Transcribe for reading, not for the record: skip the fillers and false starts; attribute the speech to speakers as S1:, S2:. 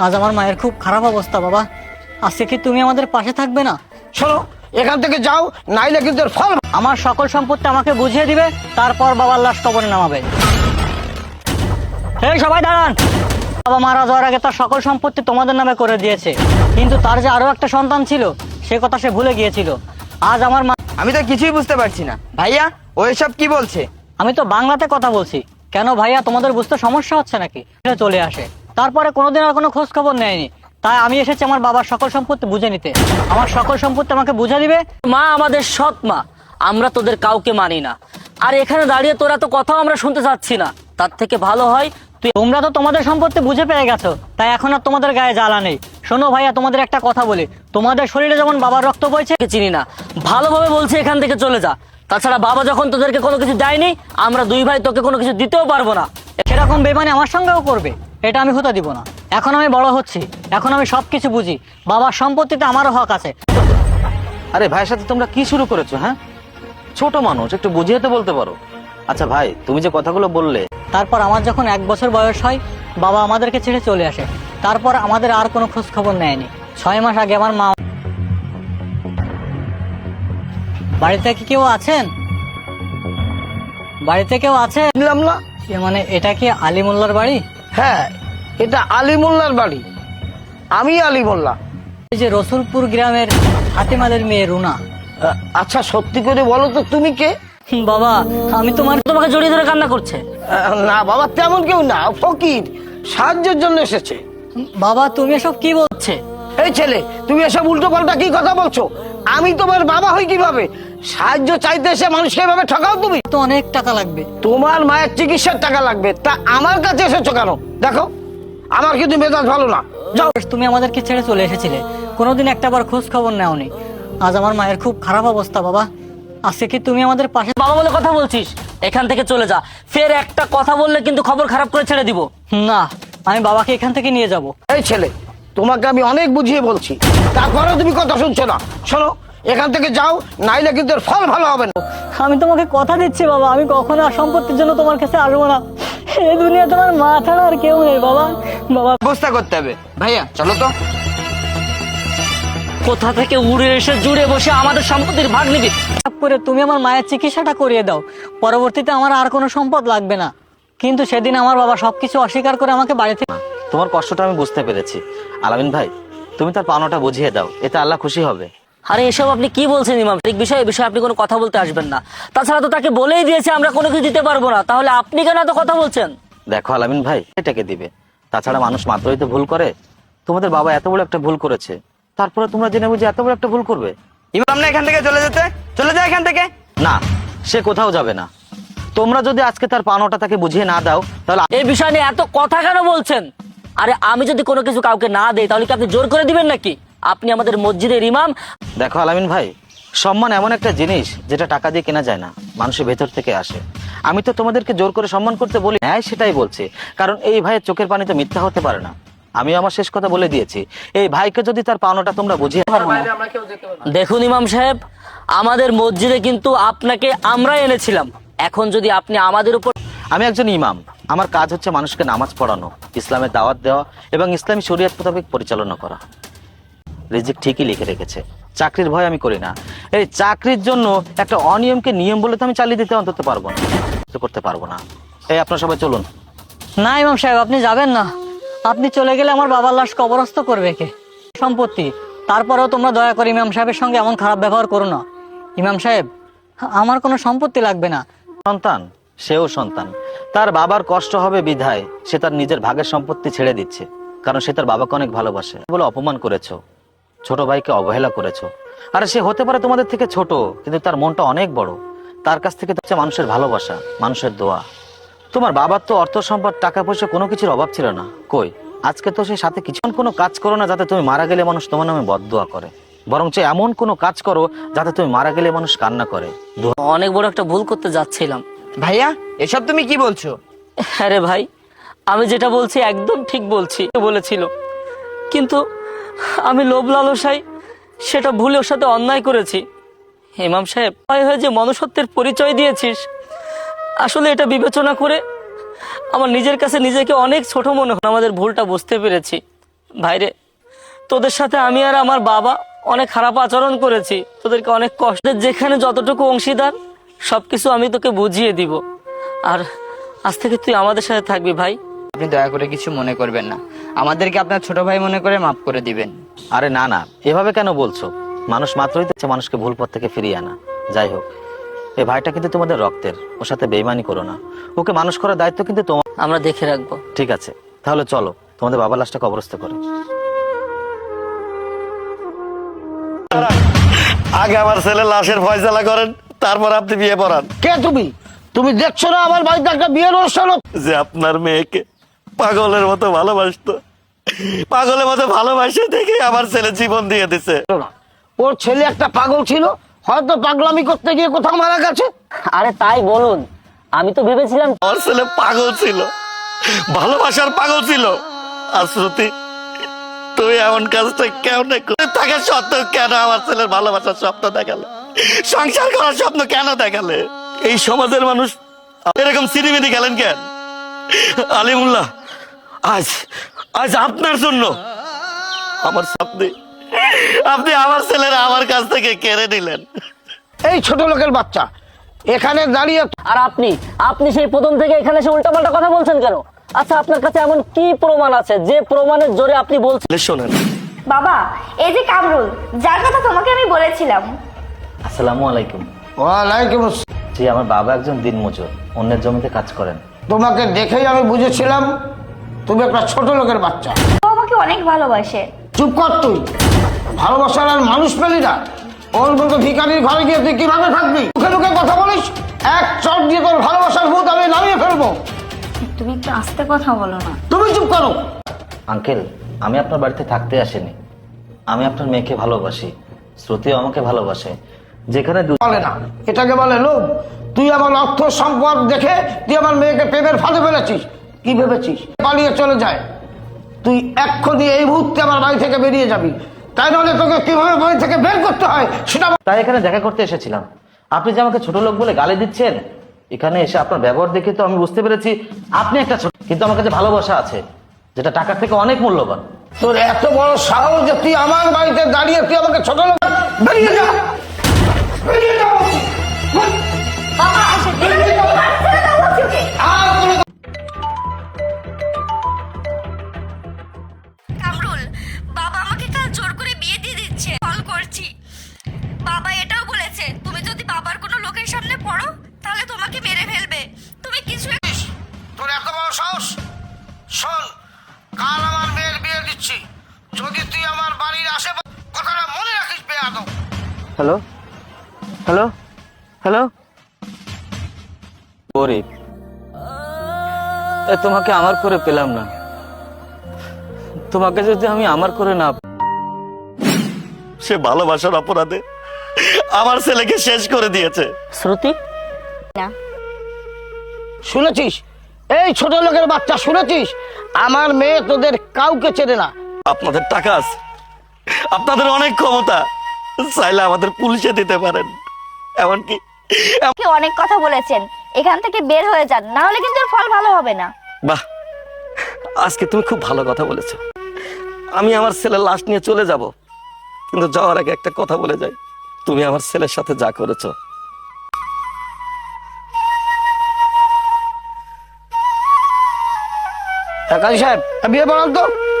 S1: আজ আমার মায়ের খুব খারাপ অবস্থা বাবা। আজকে কি তুমি আমাদের পাশে থাকবে না?
S2: শোনো, এখান থেকে যাও, নাইলে কিন্তু এর ফল।
S1: আমার সকল সম্পত্তি আমাকে বুঝিয়ে দিবে, তারপর বাবার লাশ কবরে নামাবে। এই সবাই দাঁড়ান। বাবা মারা যাওয়ার আগে তার সকল সম্পত্তি তোমাদের নামে করে দিয়েছে, কিন্তু তার যে আরো একটা সন্তান ছিল সে কথা সে ভুলে গিয়েছিল। আজ আমার মা।
S3: আমি তো কিছুই বুঝতে পারছি না ভাইয়া, ও এসব কি বলছে?
S1: আমি তো বাংলাতে কথা বলছি। কেন ভাইয়া, তোমাদের বুঝতে সমস্যা হচ্ছে নাকি? সে চলে আসে, তারপরে কোনোদিন আর কোনো খোঁজ খবর নেয়নি। তাই আমি এসেছি আমার বাবার সকল সম্পত্তি বুঝে নিতে। আমার সকল সম্পত্তি আমাকে বুঝে দিবে।
S4: মা আমাদের সৎ মা, আমরা তোদের কাউকে মানি না। আর এখানে দাঁড়িয়ে তোরা তো কথাও আমরা শুনতে চাচ্ছি না। তার থেকে ভালো হয়
S1: তোমরা তো তোমাদের সম্পত্তি বুঝে পেয়ে গেছো, তাই এখন আর তোমাদের গায়ে জ্বালা নেই। শোনো ভাইয়া, তোমাদের একটা কথা বলি, তোমাদের শরীরে যেমন বাবার রক্ত বইছে।
S4: চিনি না, ভালোভাবে বলছি এখান থেকে চলে যা। তাছাড়া বাবা যখন তোদেরকে কোনো কিছু দেয়নি, আমরা দুই ভাই তোকে কোনো কিছু দিতেও পারবো না।
S1: সেরকম বেমানি আমার সঙ্গেও করবে, এটা আমি হতে দিব না। এখন আমি বড় হচ্ছি, এখন আমি সবকিছু বুঝি। বাবার সম্পত্তিতে আমারও হক আছে।
S5: আরে ভাইয়ের সাথে তোমরা কি শুরু করেছো? হ্যাঁ, ছোট মানুষ, একটু বুঝিয়ে তো বলতে পারো। আচ্ছা ভাই, তুমি যে কথাগুলো বললে,
S1: তারপর আমার যখন 1 বছর বয়স হয়, বাবা আমাদেরকে ছেড়ে চলে আসে। তারপর আমাদের আর কোনো খোঁজ খবর নেয়নি। 6 মাস আগে আমার মা। বাড়িতে কি কেউ আছেন? বাড়িতে কেউ আছে?
S2: দিলাম না।
S1: মানে এটা কি আলী মোল্লার বাড়ি?
S2: হ্যাঁ, এটা আলী মোল্লার বাড়ি। আমি আলী মোল্লা।
S1: এই যে রসুলপুর গ্রামের হাতিমাদের মেয়ে রুনা।
S2: আচ্ছা, সত্যি করে বলো তো তুমি কে?
S1: বাবা, আমি
S4: তোমাকে জড়িয়ে ধরে কান্না করছে।
S2: না বাবা, তেমন কেউ না, ফকির সাহায্যের জন্য এসেছে।
S1: বাবা, তুমি এসব কি বলছে?
S2: এই ছেলে, তুমি এসব উল্টো পাল্টা কি কথা বলছো? আমি তোমার বাবা হই কিভাবে? সাহায্য চাইতে এসে মানুষকে এভাবে ঠকাও তুমি?
S1: তো অনেক টাকা লাগবে।
S2: তোমার মায়ের চিকিৎসার টাকা লাগবে, তা আমার কাছে এসেছো কেন? দেখো, আমার কিন্তু মেজাজ ভালো না। যাও।
S1: তুমি আমাদেরকে ছেড়ে চলে এসেছিলে, কোনোদিন একটাবার খোঁজ খবর নেওনি। আজ আমার মায়ের খুব খারাপ অবস্থা বাবা। আজকে কি তুমি আমাদের পাশে?
S4: বাবা বলে কথা বলছিস, এখান থেকে চলে যা। ফের একটা কথা বললে কিন্তু খবর খারাপ করে ছেড়ে দিব।
S1: না, আমি বাবাকে এখান থেকে নিয়ে যাব।
S2: এই ছেলে, তোমাকে আমি অনেক বুঝিয়ে বলছি, তারপরেও তুমি কথা শুনছো না। শোনো, এখান থেকে যাও, নাইলে কিন্তু এর ফল ভালো হবে না।
S1: আমি তোমাকে কথা দিচ্ছি বাবা, আমি কখনো আর সম্পত্তির জন্য তোমার কাছে আসবো না। এই দুনিয়া তোমার মা ছাড়া আর কেউ নেই বাবা। বাবা,
S3: ব্যবস্থা করতে হবে। ভাইয়া চলো তো।
S4: কোথা থেকে উড়ে এসে জুড়ে বসে আমাদের সম্পত্তির ভাগ নিবি?
S1: করে তুমি আমার মায়ের চিকিৎসাটা করিয়ে দাও, পরবর্তীতে আমার আর কোনো সম্পদ লাগবে না। কিন্তু সেদিন আমার বাবা সবকিছু অস্বীকার করে আমাকে বাড়ি থেকে।
S5: তোমার কষ্টটা আমি বুঝতে পেরেছি। আলামিন ভাই, তুমি তার পাওনাটা বুঝিয়ে দাও, এতে আল্লাহ খুশি হবে।
S4: আরে এসব আপনি কি বলছেন ইমাম? এই বিষয়ে আপনি কোনো কথা বলতে আসবেন না। তাছাড়া তো তাকে বলেই দিয়েছে আমরা কোনো কিছু দিতে পারবো না, তাহলে আপনি কেন এত কথা বলছেন?
S5: দেখো আলামিন ভাই, এটাকে দিবে। তাছাড়া মানুষ মাত্রই তো ভুল করে। তোমাদের বাবা এত বড় একটা ভুল করেছে, তারপরে তোমরা জেনে বুঝে এত বড় একটা ভুল করবে?
S3: ইমাম না এখান থেকে চলে যেতে, চলে যা এখান থেকে।
S5: না, সে কোথাও যাবে না। তোমরা যদি আজকে তার পাওনাটা তাকে বুঝিয়ে না দাও, তাহলে
S4: এই বিষয় নিয়ে এত কথা কেন বলছেন? আরে আমি যদি কোনো কিছু কাউকে না দেই, তাহলে কি আপনি জোর করে দিবেন নাকি? আপনি আমাদের মসজিদের ইমাম।
S5: দেখো আলামিন ভাই, সম্মান এমন একটা জিনিস যেটা টাকা দিয়ে কেনা যায় না, মানুষের ভেতর থেকে আসে। আমি তো তোমাদেরকে জোর করে সম্মান করতে বলি, হ্যাঁ সেটাই বলছি, কারণ এই ভাইয়ের চোখের পানি তো মিথ্যা হতে পারে না। আমি আমার শেষ কথা বলে দিয়েছি, এই ভাইকে যদি তার পাওনাটা তোমরা বুঝিয়ে পারো না।
S4: দেখুন ইমাম সাহেব, আমাদের মসজিদে কিন্তু আপনাকে আমরাই এনেছিলাম। এখন যদি আপনি আমাদের উপর।
S5: আমি একজন ইমাম, আমার কাজ হচ্ছে মানুষকে নামাজ পড়ানো, ইসলামের দাওয়াত দেওয়া এবং ইসলামী শরীয়ত মোতাবেক পরিচালনা করা। রিজিক ঠিকই লিখে রেখেছে, চাকরির ভয় আমি করি না। এই চাকরির জন্য একটা অনিয়মকে নিয়ম বলে তো আমি চালিয়ে দিতে অন্তত পারবো না, করতে পারবো না। এই আপনারা সবাই চলুন।
S1: না ইমাম সাহেব, আপনি যাবেন না। আপনি চলে গেলে আমার বাবার লাশ কবরস্থ করবে কে? সম্পত্তি। তারপরেও তোমরা দয়া করে ইমাম সাহেবের সঙ্গে এমন খারাপ ব্যবহার করো না। ইমাম সাহেব, আমার কোনো সম্পত্তি লাগবে না।
S5: সন্তান, সেও সন্তান, তার বাবার কষ্ট হবে বিধায় সে তার নিজের ভাগের সম্পত্তি ছেড়ে দিচ্ছে, কারণ সে তার বাবাকে অনেক ভালোবাসে বলে অপমান করেছো, ছোট ভাইকে অবহেলা করেছো। আর সে হতে পারে তোমাদের থেকে ছোট, কিন্তু তার মনটা অনেক বড়। তার কাছ থেকে হচ্ছে মানুষের ভালোবাসা, মানুষের দোয়া। তোমার বাবার তো অর্থ সম্পদ, টাকা পয়সা কোনো কিছুর অভাব ছিল না, কই আজকে তো সে সাথে কিছু কোনো কাজ করো না যাতে তুমি মারা গেলে মানুষ তোমার নামে বদদোয়া করে, বরঞ্চ এমন কোনো কাজ করো যাতে তুমি মারা গেলে মানুষ কান্না করে।
S4: অনেক বড় একটা ভুল করতে যাচ্ছিলাম।
S3: ভাইয়া এসব তুমি কি বলছো?
S4: আরে ভাই, আমি যেটা বলছি একদম ঠিক বলছি বলেছিল, কিন্তু আমি লোভ লালসায় সেটা ভুলে ওর সাথে অন্যায় করেছি। ইমাম সাহেব, হয়ে যে মনুষ্যত্বের পরিচয় দিয়েছিস, আসলে এটা বিবেচনা করে আমার নিজের কাছে নিজেকে অনেক ছোট মনে হয়। আমাদের ভুলটা বুঝতে পেরেছি। ভাইরে, তোদের সাথে আমি আর আমার বাবা অনেক খারাপ আচরণ করেছি, তোদেরকে অনেক কষ্ট, যেখানে যতটুকু অংশীদার সবকিছু আমি তোকে বুঝিয়ে দিব। আর আজ থেকে তুই আমাদের সাথে থাকবি ভাই।
S3: আপনি দয়া করে কিছু মনে করবেন না, আমাদেরকে আপনার ছোট ভাই মনে করে মাফ করে দিবেন।
S5: আরে না না, এভাবে কেন বলছো? মানুষ মাত্রই তো মানুষকে ভুল পথ থেকে ফিরিয়ে আনা। যাই হোক, এই ভাইটা কিন্তু তোমাদের রক্তের, ওর সাথে বেইমানি করো না। ওকে মানুষ করার দায়িত্ব কিন্তু তোমার।
S4: আমরা দেখে রাখবো।
S5: ঠিক আছে, তাহলে চলো তোমাদের বাবার লাশটা কবরস্থ করো।
S6: আগে আমার ছেলে লাশের ফয়সালা করেন, তারপর আপনি বিয়ে পড়ান।
S2: কে তুমি? তুমি দেখছো না আমার বাড়িতে একটা বিয়ের অনুষ্ঠান হচ্ছে?
S6: যে আপনার মেয়েকে পাগলের মতো ভালোবাসতো, পাগলের মতো ভালোবাসে দেখে আমার ছেলে জীবন দিয়ে দিছে।
S2: না, ওর ছেলে একটা পাগল ছিল, হয়তো পাগলামি করতে গিয়ে কোথাও মারা গেছে।
S4: আরে তাই বলুন, আমি তো ভেবেছিলাম
S6: আমার ছেলে পাগল ছিল, ভালোবাসার পাগল ছিল। আর শ্রুতি, তুই এমন কাজটা কেন তাকে সত্ত্বেও কেন আমার ছেলের ভালোবাসার স্বপ্ন দেখালে, সংসার করার স্বপ্ন কেন দেখালে? এই সমাজের মানুষ এরকম সিনেমিনি গেলেন কেন? আলিমুল্লাহ, আজ আজ আপনার জন্য আমার স্বপ্নে আপনি আমার ছেলেরা আমার কাছ থেকে কেড়ে নিলেন।
S2: এই ছোট লোকের বাচ্চা এখানে দাঁড়িয়ে
S4: আর আপনি আপনি সেই প্রথম থেকে এখানে এসে উল্টাপাল্টা কথা বলছেন কেন? আচ্ছা, আপনার কাছে এমন কি প্রমাণ আছে যে প্রমাণের জোরে আপনি বলছেন?
S6: শোনেন,
S7: বাবা, এই যে কামরুল, যার কথা তোমাকে আমি বলেছিলাম।
S5: আসসালামু আলাইকুম।
S2: ওয়ালাইকুম আসসালাম।
S5: জি, আমার বাবা একজন দিনমজুর, অন্যের জমিতে কাজ করেন।
S2: তোমাকে দেখেই আমি বুঝেছিলাম তুমি একটা ছোট লোকের বাচ্চা।
S7: ও আমাকে অনেক ভালোবাসে।
S2: চুপ কর তুই, ভালোবাসার আর মানুষ পেলি না। ওর মতো ভিখারির ঘরে গিয়ে তুই কিভাবে থাকবি? মুখে মুখে কথা বলিস, এক চট দিয়ে তোর ভালোবাসার ভূত আমি নামিয়ে ফেলবো।
S7: তুমি একটু আস্তে কথা বলো না।
S2: তুমি চুপ করো।
S5: আঙ্কেল, আমি আপনার বাড়িতে থাকতে আসিনি। আমি আপনার মেয়েকে ভালোবাসি, শ্রুতিও আমাকে ভালোবাসে। যেখানে
S2: বলে না, এটাকে বলে লোভ। তুই আমার অর্থ সম্পদ দেখে তুই আমার মেয়েকে প্রেমের ফাঁদে ফেলেছিস। কি ভেবেছিস পালিয়ে চলে যায়? তুই এক্ষুনি এই মুহূর্তে আমার বাড়ি থেকে বেরিয়ে যাবি, তাই নাহলে তোকে কিভাবে বাড়ি থেকে বের করতে হয় সেটা।
S5: তাই এখানে দেখা করতে এসেছিলাম। আপনি যে আমাকে ছোট লোক বলে গালি দিচ্ছেন, এখানে এসে আপনার ব্যবহার দেখে তো আমি বুঝতে পেরেছি আপনি একটা ছোট, কিন্তু আমার কাছে ভালোবাসা আছে যেটা টাকার থেকে অনেক মূল্যবান।
S2: তোর এত বড় সাহস যে তুই আমার বাড়িতে দাঁড়িয়ে তুই আমাকে ছোট লোক? বেরিয়ে যা, বেরিয়ে যা।
S7: বাবা, ছেড়ে দাও বলছি ওকে।
S2: আর কোনো
S7: কামরুল, বাবা আমাকে কাল জোর করে বিয়ে দিয়ে দিচ্ছে। কল করছি। বাবা এটাও বলেছে তুমি যদি বাবার কোনো লোকের সামনে পড়ো তাহলে তোমাকে মেরে ফেলবে। তুমি কিছু
S2: তোর এত বড় সাহস? শোন, কাল আমার মেয়ের বিয়ে দিচ্ছি, যদি তুই আমার বাড়ির আশেপাশে, কথাটা মনে রাখিস বেয়াদব।
S5: হ্যালো হ্যালো হ্যালো, গরিব, তোমাকে আমার করে পেলাম না। তোমাকে যদি আমি আমার করে না,
S6: সে ভালোবাসার অপরাধে আমার ছেলেকে শেষ করে দিয়েছে।
S4: শ্রুতি,
S7: না।
S2: শুনেছিস? এই ছোট লোকের বাচ্চা, শুনেছিস? আমার মেয়ে তোদের কাউকে চেনে না।
S6: আপনাদের টাকা আছে, আপনাদের অনেক ক্ষমতা, চাইলে আমাদের পুলিশে দিতে পারেন। এমনকি
S7: আপনি অনেক কথা বলেছেন, এখান থেকে বের হয়ে যান, না হলে কিন্তু এর ফল ভালো হবে না।
S6: বাহ, আজকে তুমি খুব ভালো কথা বলেছো। আমি আমার ছেলের লাশ নিয়ে চলে যাব, কিন্তু যাওয়ার আগে একটা কথা বলে যাই। তুমি আমার ছেলের সাথে যা করেছো,
S2: কাজী সাহেব, বিয়ে পড়ান তো।